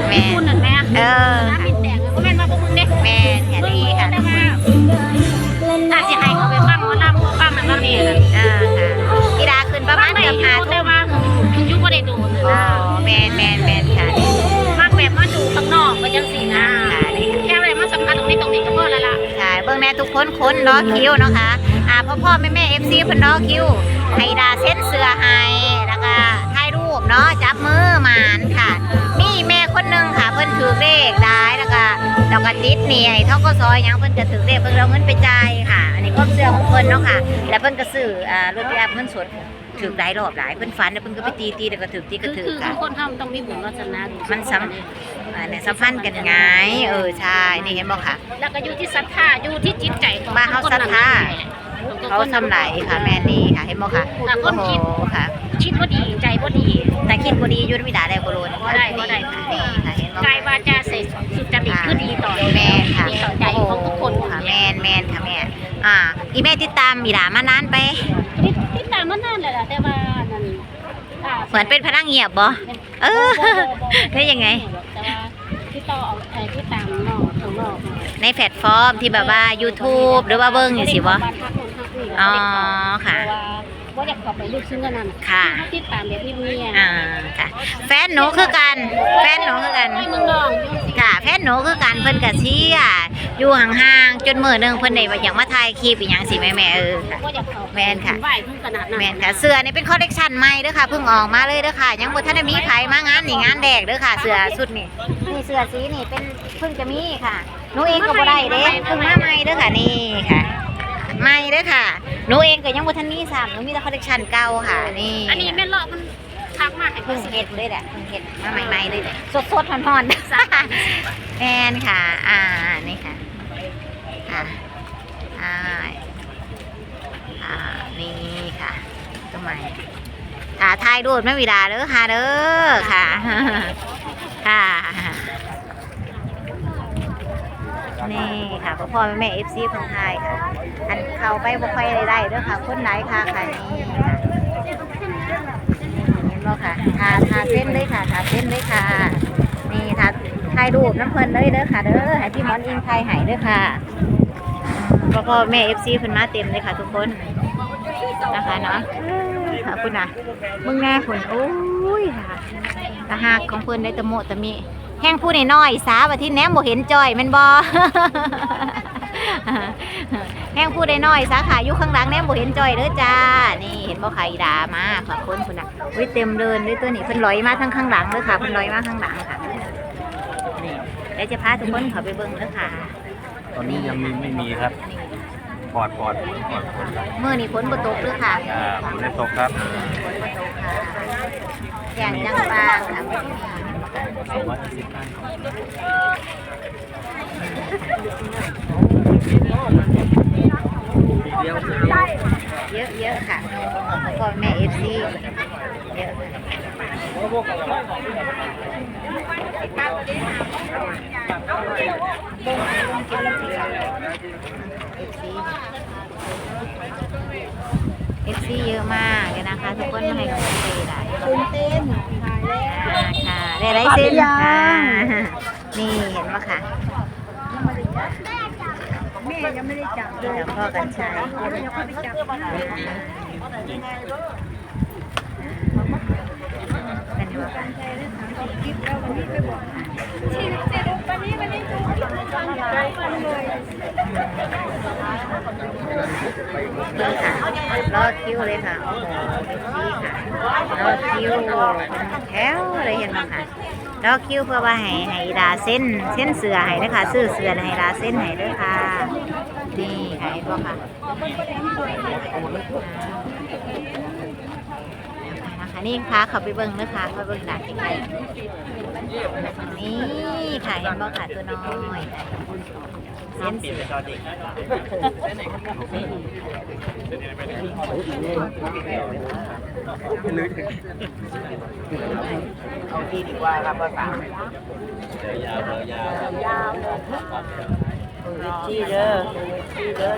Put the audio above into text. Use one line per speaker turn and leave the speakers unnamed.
แม่
คุณนั่นแม่น้ำมินแตกก็แม่นมาพวกมึงเด็ก
แม่แค่นี้ค่ะ
ถ้าสิให้เขาไปฟังว่าน้ำฟังมันก็เนี่ย
ค่ะกีฬาขึ้นประมาณเกือบ5 ทุ่ม
ยุบก็ได้ดู
แม่ค่ะ
มากแบบมาดูข้างนอกก็ยังสีนะแค่อะไรมาสำคัญตรงนี้ก็พอแล้วล่ะ
ใช่เบิ่งแม่ทุกคนล้อคิวเนาะค่ะพ่อแม่ FC เพิ่นล้อคิวให้ดาเส้นเสื้อให้แล้วก็ถ่ายรูปเนาะจับมือหมานค่ะมีแม่คนนึงค่ะเพิ่นถือเลขได้แล้วก็ติดหนี้ไอ้ทกสหยังเพิ่นก็ถือเลขเพิ่นเอาเงินไปจ่ายค่ะอันนี้ก็เสื้อของเพิ่นเนาะค่ะแล้วเพิ่นก็ซื้อรถเงินสดถือหลายรอบหลายเพิ่นฝันแล้วเพิ่นก็ไปตีแล้วก็ถือ
คือคนทำต้องมีบุญวาสนา
มันสัมพันธ์กันไงใช่นี่เห็นบ่ค่ะ
แล้วก็อยู่ที่ศรัทธาอยู่ที่จิตใจของ
บ้านเฮาศรัทธาเขาทำไหลค่ะแม่นี่ค่ะเห็นบ่ค่ะ
คนคิด
ค่ะ
คิดบ่ดีใจบ่ดี
แต่คิดบ่ดีอยู่ไม่ได้บ่รู้
บ่ได้ค่ะ
นี่ค่ะเห็นบ่
กายวาจาใส่สุจริตคือดีต่อ
แม่ค่ะ
ดีต่อใจของทุกคน
ค่ะแม่ค่ะแม่อีแม่ติดตามอีหลามานานไป
ติดตามมานานแล้วแต่ว่านั่น
เหมือนเป็นพนักเงียบบ่ได้ยังไง
แต่ว่าที่ต่อที่ตามนอกของนอก
ในแพลตฟอร์มที่แบบว่า YouTube หรือว่าเบิ่งอยู่สิบ่อ๋อค่ะ
ว่าอยากกลับไปลึกซึ้งกันนั่น
ค่ะ
ติดตามแบบนี้
ค่ะแฟนหนูคือกันค่ะแฟนหนูคือกันเพิ่นก็เชียร์อยู่ห่างๆจนมื้อนึงเพิ่นได้ว่าอยากมาถ่ายคลิปอีหยังสิแม่ค่ะแม่นค่ะแม่นค่ะเสื้อนี่เป็นคอลเลคชันใหม่เด้อค่ะเพิ่งออกมาเลยเด้อค่ะยังบ่ทันได้มีไผมางานนี่งานแดกเด้อค่ะเสื้อชุดนี่เสื้อสีนี่เป็นเพิ่งจะมีค่ะหนูเองก็บ่ได้เด้เพิ่งมาใหม่เด้อค่ะนี่ค่ะไม่เด้อค่ะหนูเองก็ยังบ่ทันมีซ้ำหนูมีแต่คอลเลคชันเก่าค่ะนี่
อันนี้แม่นเลาะมันทักมาให้
เพิ่งเฮ็ดเลยแหละเพิ่งเฮ็ดมาใหม่ๆเลยสดๆร้อนๆแม่นค่ะนี่ค่ะนี่ค่ะตัวใหม่ถ่ายรูปไม่มีดาเด้อค่ะเด้อค่ะค่ะนี่ค่ะพ่อแม่ FC เพิ่นถ่ายค่ะอันเข้าไปบ่ค่อยได้เด้อค่ะคนไหนค่ะนี่ค่ะเห็นบ่ค่ะทาเส้นเลยค่ะทาเส้นเลยค่ะนี่ถ่ายรูปน้ำเพิ่นเลยเด้อค่ะเด้อให้พี่หมอนอิงถ่ายให้เด้อค่ะพ่อแม่ FC เพิ่นมาเต็มเลยค่ะทุกคนนะคะเนาะค่ะคุณน่ะมึงแน่ผลโอ้ยค่ะตาหักของเพิ่นได้ตะโมตะมิแห้งผู้น้อยๆสาบัดที่แหนมบ่เห็นจอยแม่นบ่แห้งผู้น้อยๆสาขาอยู่ข้างหลังแหนมบ่เห็นจอยเด้อจ้านี่เห็นบ่ไข่ดามาค่ะคนคุณน่ะอุ้ยเต็มเดินด้วยตัวนี้เพิ่นลอยมาทั้งข้างหลังเด้อค่ะเพิ่นลอยมาข้างหลังค่ะนี่เดี๋ยวจะพาทุกคนเข้าไปเบิ่งเด้อค่ะ
ตอนนี้ยังไม่มีครับปอด
เมื่อนี้ฝนบ่ตกเด้อค่ะ
ฝนไม่ตกครับ
ฝนบ่ตกค่ะแจ้งจังปางค่ะเยอะค่ะพ่อแม่ FC เยอะFC เยอะมากเลยนะคะทุกคนมาให้กำลังใจได้
เต้น
ค่ะได้ไรเส้นค่ะนี่เห็นไหมค่ะ
แม่ยังไม่ได้จับเลย
พ่อกันชัยค่ะรอคิวเลยค่ะโอ้โหรอคิวแถวเลยเห็นไหมค่ะรอคิวเพื่อว่าให้ดาเส้นเสือให้ด้วยค่ะซื้อเสือให้ดาเส้นให้ด้วยค่ะนี่ค่ะเห็นไหมค่ะนะคะนี่ค่ะเขาไปเบิ้งนะคะเขาเบิ้งด่านใกล้ๆนี่ค่ะเห็นไหมค่ะตัวน้อยเส้นเสือ
เอาที่ดีกว่าครับภาษา
ยาว
ที่เด้อ